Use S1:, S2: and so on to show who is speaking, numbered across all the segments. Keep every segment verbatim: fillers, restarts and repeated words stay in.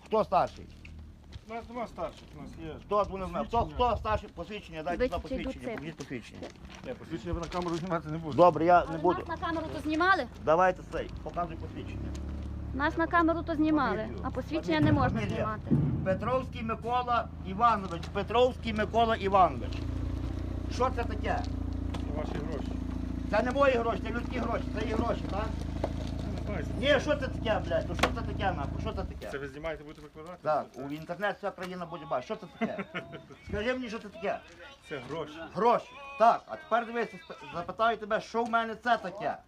S1: Хто старший?
S2: У нас нема старших, у нас є.
S1: Хто, вони знають? Хто, хто старший? Посвідчення, дайте
S3: Ви
S1: сюди
S3: чи йдуть
S1: посвідчення,
S3: це?
S1: покажіть посвідчення.
S2: Не, посвідчення ви на камеру знімати не будете.
S1: Добре, я не
S3: Але
S1: буду.
S3: нас на камеру то знімали?
S1: Давайте цей, показуй посвідчення.
S3: Нас на камеру то знімали,
S1: Фамілію.
S3: а посвідчення
S1: Фамілію,
S3: не можна
S1: фамілія.
S3: знімати.
S1: Петровський Микола Іванович. Петровський Микола Іванович. Що це таке?
S2: Це ваші гроші.
S1: Це не мої гроші, це людські гроші, це її гроші, так?
S2: Я не знаю,
S1: Ні, що це таке, блядь? Ну що це таке, нахуй? Що це таке?
S2: це ви знімаєте, будете викладати?
S1: Так,
S2: Це-
S1: у інтернет вся країна буде бачити. Що це таке? Скажи мені, що це таке?
S2: Це гроші.
S1: Гроші. Так, а тепер дивися, сп- запитаю тебе, що в мене це таке?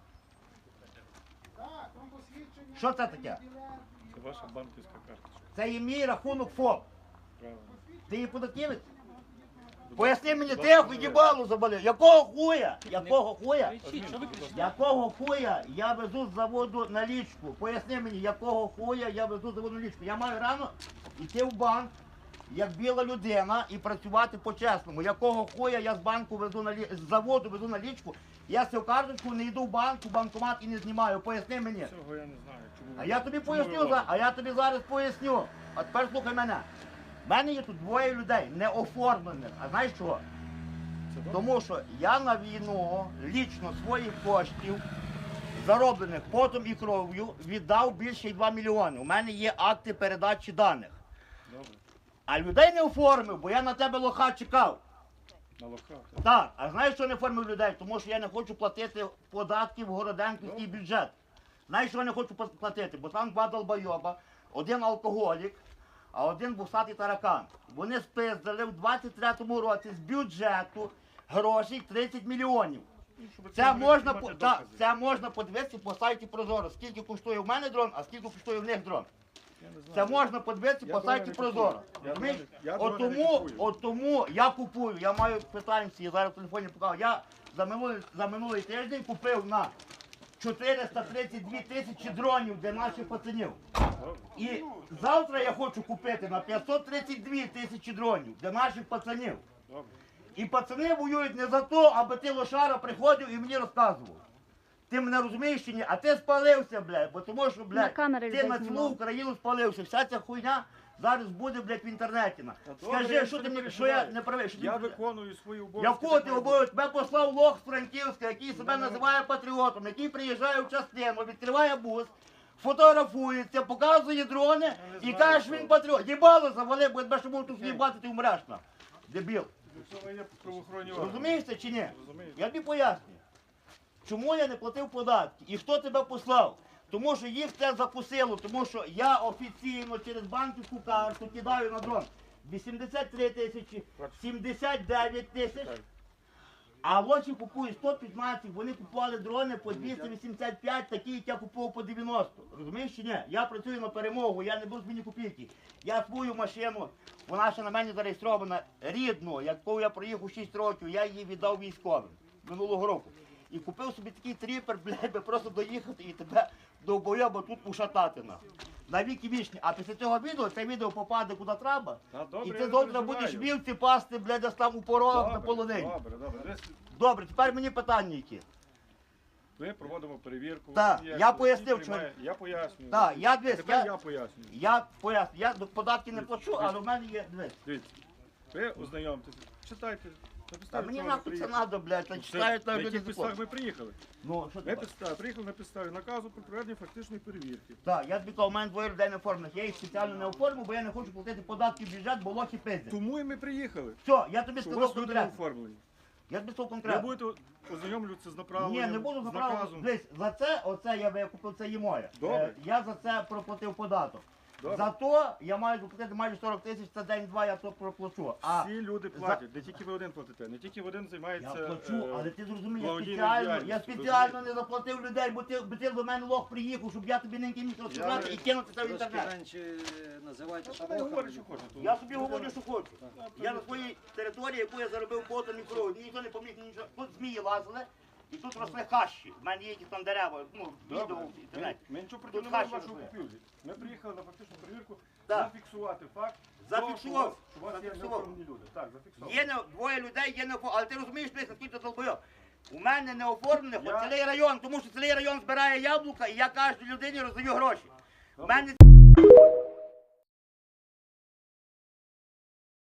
S1: Що це таке?
S2: Це ваша банківська карточка.
S1: Це є мій рахунок ФОП.
S2: Правильно.
S1: Ти її податківець?
S2: Будь
S1: Поясни
S2: ласка,
S1: мені,
S2: будь
S1: ти
S2: ласка,
S1: їбалу заболів. Якого хуя? Якого хуя?
S2: Адмін, будь ласка.
S1: Якого хуя я везу з заводу налічку? Поясни мені, якого хуя я везу з заводу налічку? Я маю рано йти в банк, як біла людина, і працювати по-чесному. Якого хуя я з банку везу налі... з заводу везу налічку? Я цю карточку не йду в банк, в банкомат і не знімаю. Поясни мені.
S2: Цього я не знаю. Чому ви-
S1: А я тобі
S2: чому
S1: поясню,
S2: ви
S1: за-
S2: робите?
S1: а я тобі зараз поясню. А тепер слухай мене. В мене є тут двоє людей, не оформлених. А знаєш чого?
S2: Це добре?
S1: Тому що я на війну лічно своїх коштів, зароблених потом і кров'ю, віддав більше як два мільйони. У мене є акти передачі даних.
S2: Добре.
S1: А людей не оформив, бо я на тебе лоха чекав.
S2: На лоха.
S1: Так, а знаєш, що не оформив людей? Тому що я не хочу платити податки в Городенківський бюджет. Знаєш, що я не хочу платити? Бо там два долбойоба, один алкоголік, а один бусатий таракан. Вони спиздили в двадцять третьому році з бюджету грошей тридцять мільйонів. Це можна, по- так, це можна подивитися по сайті Прозоро. Скільки коштує в мене дрон, а скільки коштує в них дрон. Це можна подивитися
S2: Я
S1: по
S2: дрона
S1: сайті
S2: не
S1: Прозоро.
S2: купую. Я
S1: Розумієш?
S2: дрона- я
S1: От
S2: дрона не
S1: тому,
S2: купую.
S1: от тому я купую, я маю питання, я зараз в телефоні показав. Я за минулий, за минулий тиждень купив на чотириста тридцять дві тисячі дронів для наших пацанів. І завтра я хочу купити на п'ятсот тридцять дві тисячі дронів для наших пацанів.
S2: Добре.
S1: І пацани воюють не за то, аби ти лошара приходив і мені розказував. Ти мене розумієш чи ні? А ти спалився, блядь, бо тому що,
S3: На
S1: блядь,
S3: камери
S1: ти
S3: людей
S1: на цілу
S3: знімав.
S1: Україну спалився. Вся ця хуйня зараз буде, блядь, в інтернеті. на.
S2: Та добре,
S1: Скажи,
S2: я
S1: що
S2: це
S1: ти
S2: не
S1: мені, що я
S2: переживаю.
S1: не правий, що ти
S2: Я
S1: мені-
S2: виконую свої обов'язки.
S1: Я в кого
S2: так
S1: ти
S2: має
S1: обов'язок? Тебе послав лох з Франківська, який себе
S2: Ну,
S1: називає патріотом, який приїжджає в частину, відкриває бус, фотографується, показує дрони
S2: Я не
S1: і
S2: знаю,
S1: каже,
S2: що.
S1: він патріот. Їбало завали, бо якби що був тут їбати, ти вмреш на. Дебіл.
S2: бути. Це є правоохоронні органи.
S1: Розумієш це чи ні?
S2: Розумію.
S1: Я тобі пояснюю. Чому я не платив податки і хто тебе послав? Тому що їх це закусило, тому що я офіційно через банківську карту кидаю на дрон вісімдесят три тисячі, сімдесят дев'ять тисяч,
S2: Так.
S1: а лочі купують сто п'ятнадцять, вони купували дрони по двісті вісімдесят п'ять, такі, як я купував по дев'яносто. Розумієш чи ні? Я працюю на перемогу, я не буду з мені копійки. Я свою машину, вона ще на мене зареєстрована, рідну, яку я проїхав шість років, я її віддав військовим минулого року. І купив собі такий тріпер, блядь, би просто доїхати і тебе до бойоба тут ушатати на. На віки вічні. А після цього відео, це відео попаде куди треба.
S2: Та добре,
S1: І
S2: я
S1: ти
S2: не
S1: завтра
S2: переживаю.
S1: будеш вівці пасти, блядь, десь там у порогах на
S2: Добре,
S1: полонині.
S2: Добре, добре. Десь
S1: Добре, тепер мені питання які.
S2: Ми проводимо перевірку.
S1: Так,
S2: Як
S1: я
S2: ви
S1: пояснив,
S2: всі приймає- Я пояснюю.
S1: Так, я дивись,
S2: Тепер
S1: я-
S2: я пояснюю.
S1: Я поясню, я до- податки не плачу, але в мене є, дивись.
S2: Дивіться, ви ознайомтеся, читайте. На
S1: Та
S2: підставі
S1: мені
S2: чого ви
S1: нахуй це
S2: приїхали.
S1: треба, блядь, та
S2: Ну,
S1: читають
S2: на
S1: там люди
S2: яких підставах
S1: закон.
S2: ми приїхали?
S1: Ну, що
S2: Ми
S1: ти?
S2: підстав, приїхали на підставі наказу про проведення фактичної перевірки.
S1: Так, я тобі кажу, у мене двоє людей не оформлених. Я їх спеціально не оформив, бо я не хочу платити податки в бюджет, бо лохи пиздять.
S2: Тому і ми приїхали.
S1: Все, я тобі
S2: Що у
S1: сказав
S2: вас люди не
S1: конкретно.
S2: оформлені.
S1: Я тобі сказав
S2: Ви
S1: конкретно.
S2: будете ознайомлюватися з направленням,
S1: Ні, не буду
S2: з
S1: заправити.
S2: наказом.
S1: Дивись, за це, оце я би купив, це є моє.
S2: Добре.
S1: Е, Я за це проплатив податок.
S2: Добре.
S1: За то я маю заплатити майже сорок тисяч, це день-два я то проплачу. А
S2: Всі люди платять, не тільки ви один платите, не тільки ви один
S1: я
S2: займається.
S1: плачу,
S2: е,
S1: але ти зрозумій, я
S2: благодійною
S1: спеціально, я
S2: діяльністю,
S1: спеціально не заплатив людей, бо ти, бо ти до мене лох приїхав, щоб я тобі неньки міг розказати
S2: Я-
S1: і кинути це в
S4: Трошки
S1: інтернет.
S4: менше називайте
S2: Та ви говорите, що хочете.
S1: Я собі говорю, що хочу. Я на своїй території, яку я заробив потом і кров'ю, мені ніхто не поміг, нічого. Тут змії лазили, і тут росли хащі. У мене є якісь там дерева, ну, відео
S2: Добре.
S1: в
S2: Ми,
S1: інтернеті.
S2: ми нічого проти
S1: Тут
S2: не маємо
S1: хащі
S2: вашого
S1: росли.
S2: купівлі. Ми приїхали на фактичну перевірку
S1: Так.
S2: зафіксувати факт.
S1: Зафіксував.
S2: того, що у вас є
S1: Зафіксував.
S2: неоформлені люди. Так, зафіксував.
S1: Є не, двоє людей, є не оформлені. Але ти розумієш, ти наскільки долбойов. У мене не оформлених,
S2: Я-
S1: от цілий район, тому що цілий район збирає яблука, і я кожній людині роздаю гроші. У
S2: Добре.
S1: мене